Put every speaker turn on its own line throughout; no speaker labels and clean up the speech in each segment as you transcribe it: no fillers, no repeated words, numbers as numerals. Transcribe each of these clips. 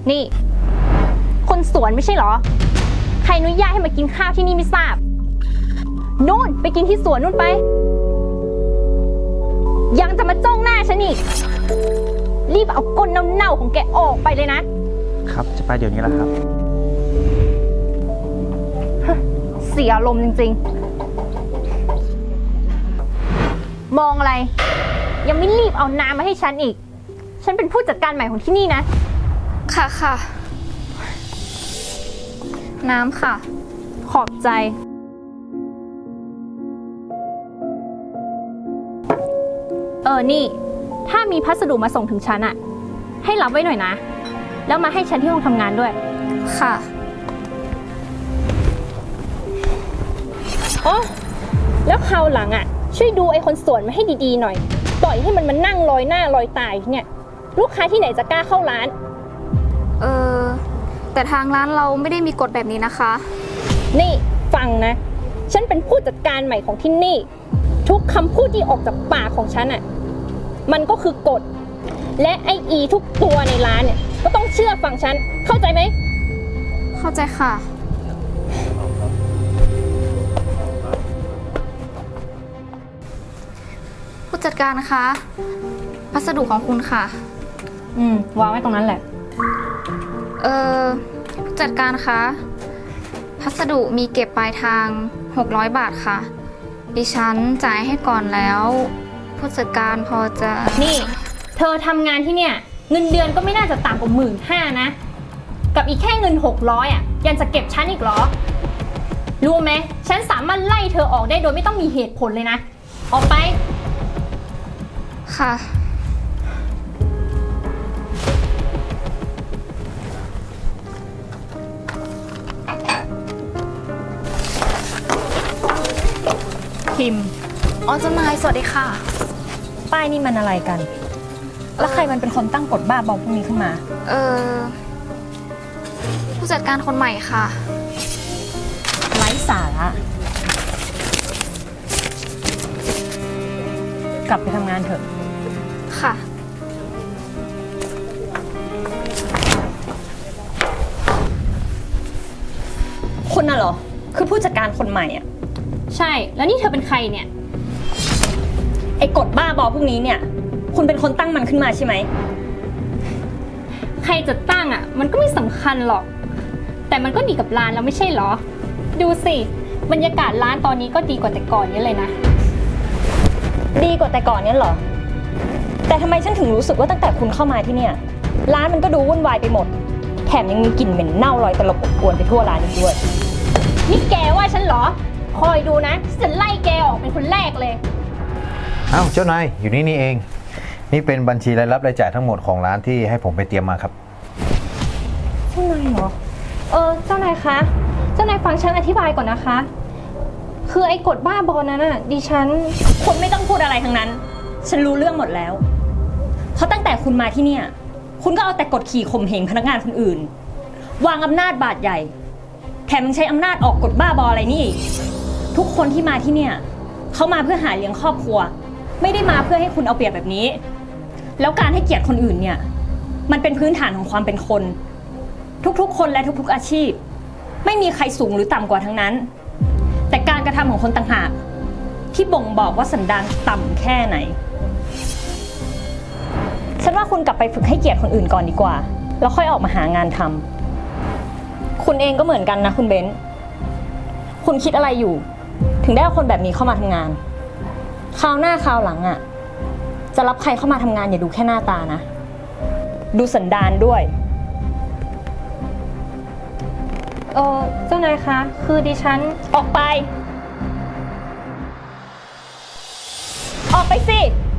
นี่คนสวนไม่ใช่เหรอใครอนุญาตให้มากินข้าวที่นี่ไม่ทราบนู่นไปกินที่สวนนู่นไปยังจะมาจ้องหน้าฉันอีกรีบเอาก้นเน่าๆของแกออกไปเลยนะครับ
จะไปเดี๋ยวนี้แหละครับ
เสียอารมณ์จริงๆมองอะไรยังไม่รีบเอาน้ำมาให้ฉันอีกฉันเป็นผู้จัดการใหม่ของที่นี่นะ
ค่ะค่ะน้ำค่ะ
ขอบใจนี่ถ้ามีพัสดุมาส่งถึงฉันอะให้รับไว้หน่อยนะแล้วมาให้ฉันที่ห้องทำงานด้วย
ค่ะ
อ๋อแล้วคราวหลังอะช่วยดูไอ้คนสวนมาให้ดีๆหน่อยปล่อยให้มันมานั่งลอยหน้าลอยตาเนี่ยลูกค้าที่ไหนจะกล้าเข้าร้าน
แต่ทางร้านเราไม่ได้มีกฎแบบนี้นะคะ
นี่ฟังนะฉันเป็นผู้จัดการใหม่ของที่นี่ทุกคำพูดที่ออกจากปากของฉันอะมันก็คือกฎและไอทุกตัวในร้านเนี่ยก็ต้องเชื่อฟังฉันเข้าใจไหม
เข้าใจค่ะผู้จัดการนะคะพัสดุของคุณค่ะ
วางไว้ตรงนั้นแหละ
ผู้จัดการคะพัสดุมีเก็บปลายทาง600 บาทค่ะดิฉันจ่ายให้ก่อนแล้วผู้จัดการพอจะ
นี่เธอทำงานที่เนี่ยเงินเดือนก็ไม่น่าจะต่ำกว่า15,000นะกับอีกแค่เงิน600อ่ะยังจะเก็บฉันอีกเหรอรู้ไหมฉันสามารถไล่เธอออกได้โดยไม่ต้องมีเหตุผลเลยนะออกไป
ค่ะ
พิมพ์
เจ้านายสวัสดีค่ะ
ป้ายนี่มันอะไรกันแล้วใครมันเป็นคนตั้งกฎบ้าบอพวกนี้ขึ้นมา
ผู้จัดการคนใหม่ค่ะ
ไร้สาระกลับไปทำงานเถอะ
ค่ะ
คุณน่ะเหรอคือผู้จัดการคนใหม่อ่ะ
ใช่แล้วนี่เธอเป็นใครเนี่ย
ไอ้กฎบ้าบอพวกนี้เนี่ยคุณเป็นคนตั้งมันขึ้นมาใช่ไหม
ใครจะตั้งอ่ะมันก็ไม่สำคัญหรอกแต่มันก็ดีกับร้านแล้วไม่ใช่เหรอดูสิบรรยากาศร้านตอนนี้ก็ดีกว่าแต่ก่อนเยอะเลยนะ
ดีกว่าแต่ก่อนเนี่ยเหรอแต่ทำไมฉันถึงรู้สึกว่าตั้งแต่คุณเข้ามาที่เนี่ยร้านมันก็ดูวุ่นวายไปหมดแถมยังมีกลิ่นเหม็นเน่าลอยตลบอบอวนไปทั่วร้านอีกด้วย
นี่แกว่าฉันเหรอคอยดูนะฉันไล่แกออกเป็นคนแรกเลย
อ้าวเจ้านายอยู่นี่เองนี่เป็นบัญชีรายรับรายจ่ายทั้งหมดของร้านที่ให้ผมไปเตรียมมาครับ
เจ้านายเหรอเจ้านายคะเจ้านายฟังฉันอธิบายก่อนนะคะคือไอ้กฎบ้าบอนั้นน่ะดิฉัน
คุณไม่ต้องพูดอะไรทั้งนั้นฉันรู้เรื่องหมดแล้วเพราะตั้งแต่คุณมาที่เนี่ยคุณก็เอาแต่กดขี่ข่มเหงพนักงานคนอื่นวางอำนาจบาดใหญ่แถมยังใช้อำนาจออกกฎบ้าบออะไรนี่อีกทุกคนที่มาที่เนี่ยเขามาเพื่อหาเลี้ยงครอบครัวไม่ได้มาเพื่อให้คุณเอาเปรียบแบบนี้แล้วการให้เกียรติคนอื่นเนี่ยมันเป็นพื้นฐานของความเป็นคนทุกๆคนและทุกๆอาชีพไม่มีใครสูงหรือต่ำกว่าทั้งนั้นแต่การกระทำของคนต่างหากที่บ่งบอกว่าสันดานต่ำแค่ไหนฉันว่าคุณกลับไปฝึกให้เกียรติคนอื่นก่อนดีกว่าแล้วค่อยออกมาหางานทำคุณเองก็เหมือนกันนะคุณเบนซ์คุณคิดอะไรอยู่ถึงได้เอาคนแบบนี้เข้ามาทำงานคราวหน้าคราวหลังอ่ะจะรับใครเข้ามาทำงานอย่าดูแค่หน้าตานะดูสันดานด้วย
เจ้านายคะคือดิฉัน
ออกไปออกไปสิ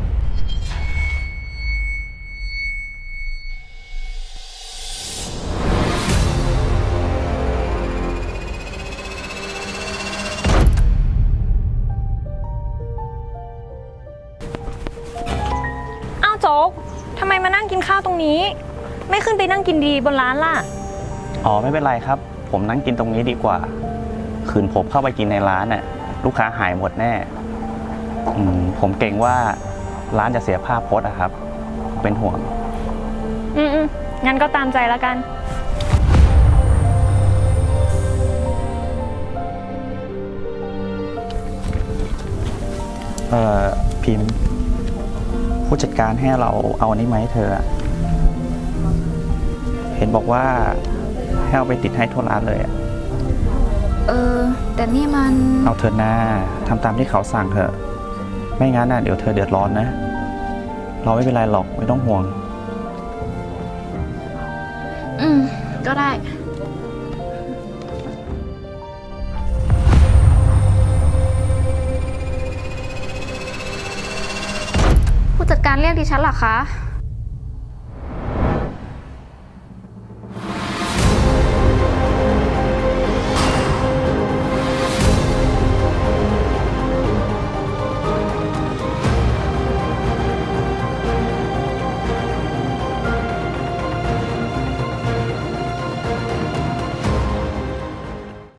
โจ๊กทำไมมานั่งกินข้าวตรงนี้ไม่ขึ้นไปนั่งกินดีบนร้านล่ะ
ไม่เป็นไรครับผมนั่งกินตรงนี้ดีกว่าคืนผมเข้าไปกินในร้านน่ะลูกค้าหายหมดแน่ผมเกรงว่าร้านจะเสียภาพพจน์อะครับเป็นห่วง
งั้นก็ตามใจแล้วกัน
พิมพ์ ผู้จัดการให้เราเอาอันนี้มาให้เธออะเห็นบอกว่าให้เอาไปติดให้ทั่วร้านเลยอะ
แต่นี่มัน
เอาเธอหน้าทำตามที่เขาสั่งเถอะ ไม่งั้นน่ะเดี๋ยวเธอเดือดร้อนนะ เราไม่เป็นไรหรอกไม่ต้องห่วง
ก็ได้ ผู้จัดการเรียกดิฉันเหรอคะ